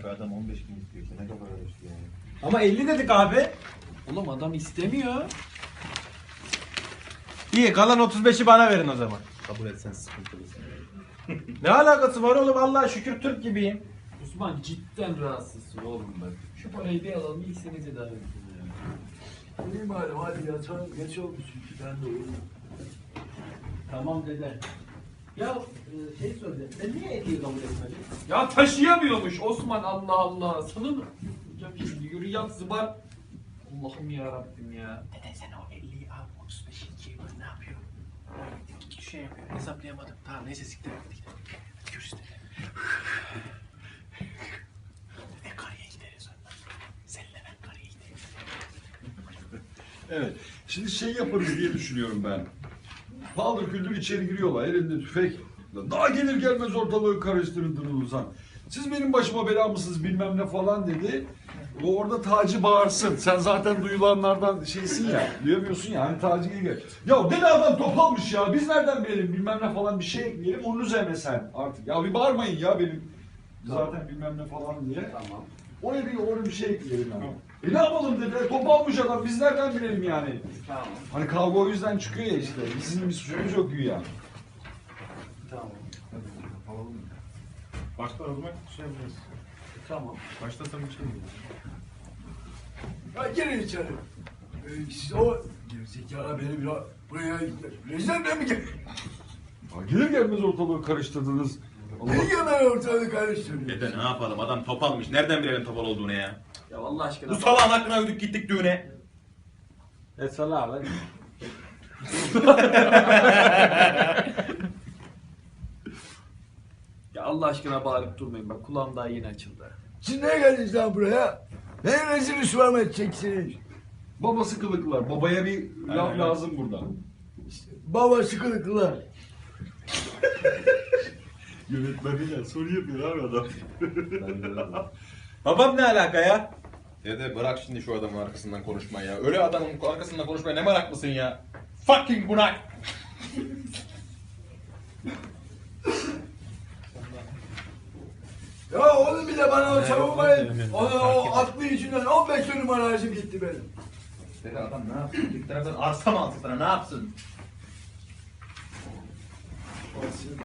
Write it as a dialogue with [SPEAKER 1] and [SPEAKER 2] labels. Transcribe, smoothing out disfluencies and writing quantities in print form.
[SPEAKER 1] abi adam 15 bin istiyor. Ne kadar istiyor yani.
[SPEAKER 2] Ama 50 dedik abi.
[SPEAKER 3] Oğlum adam istemiyor.
[SPEAKER 2] İyi kalan 35'i bana verin o zaman.
[SPEAKER 1] Kabul etsen sıkıntılısın.
[SPEAKER 2] Ne alakası var oğlum, Allah'a şükür Türk gibiyim.
[SPEAKER 3] Osman cidden rahatsızsın oğlum bak. Şu parayı bir alalım ilk seni tedavi edin ya.
[SPEAKER 4] İyi madem hadi yatalım. Geç oldu çünkü ben de uyudum.
[SPEAKER 3] Tamam dede. Ya şey söyle, sen niye 50'yi kabul etmedin?
[SPEAKER 5] Ya taşıyamıyormuş Osman, Allah Allah. Sana mı? Hocam şimdi yürü yat zıbar. Allah'ım ya Rabbim ya.
[SPEAKER 3] Dede sen o 50'yi al, 35'i ikiye böl, ne yapıyor? Şey yapıyor, hesaplayamadım. Tamam neyse siktir et, hadi gidelim. Hadi görüşürüz dede. Dede karıya gideriz ondan. Seninle ben karıya gideriz.
[SPEAKER 4] Evet. Şimdi şey yaparız diye düşünüyorum ben. Paldır küldür içeri giriyorlar. Elinde tüfek. Daha gelir gelmez ortalığı karıştırdınız Ozan. Siz benim başıma bela mısınız bilmem ne falan dedi. O orada Taci bağırsın. Sen zaten duyulanlardan şeysin ya. Duyamıyorsun ya. Hani Taci gel. Ya deli adam top almış ya. Biz nereden bilelim bilmem ne falan bir şey ekleyelim. Onun üzerine sen artık. Ya bir bağırmayın ya benim. Zaten bilmem ne falan diye.
[SPEAKER 3] Tamam.
[SPEAKER 4] Oraya bir şey ekleyelim yani. Ne yapalım dedi. Top almış adam. Biz nereden bilelim yani.
[SPEAKER 3] Tamam.
[SPEAKER 4] Hani kavga o yüzden çıkıyor ya işte. Bizim bir suçumuz yok güya.
[SPEAKER 3] Tamam.
[SPEAKER 1] Başta o zaman şey yapacağız.
[SPEAKER 3] Tamam.
[SPEAKER 1] Başta sen bir şey mi?
[SPEAKER 4] Ya girin içeri. Siz o gerizekalı beni biraz buraya rezilden mi gel? Gelir gelmez ortalığı karıştırdınız. Ne gelmez ortalığı karıştırdınız?
[SPEAKER 1] Dede ne yapalım, adam top almış. Nereden bilelim topal olduğunu ya?
[SPEAKER 3] Ya Allah aşkına.
[SPEAKER 1] Bu salağın hakkına ödük gittik düğüne.
[SPEAKER 2] Salah lan.
[SPEAKER 3] Ya Allah aşkına bağırıp durmayın bak, kulağım daha yeni açıldı.
[SPEAKER 4] Siz ne geldiniz lan buraya? Ne rezil rüsva mı edeceksiniz? Babası kılıklılar. Babaya bir laf lazım burada. İşte, babası kılıklılar.
[SPEAKER 1] Yönetmeniyle soru yapıyor abi adam.
[SPEAKER 2] Babam ne alaka ya?
[SPEAKER 1] Dede bırak şimdi şu adamın arkasından konuşmayı ya. Öyle adamın arkasından konuşmaya ne meraklısın ya? Fucking bunak!
[SPEAKER 4] Ya onu bile bana o savunmayın. O aklı yüzünden 15 dönüm arazim gitti benim.
[SPEAKER 1] Dede adam ne yapsın? Bir taraftan arsa mı alsın sana, ne yapsın?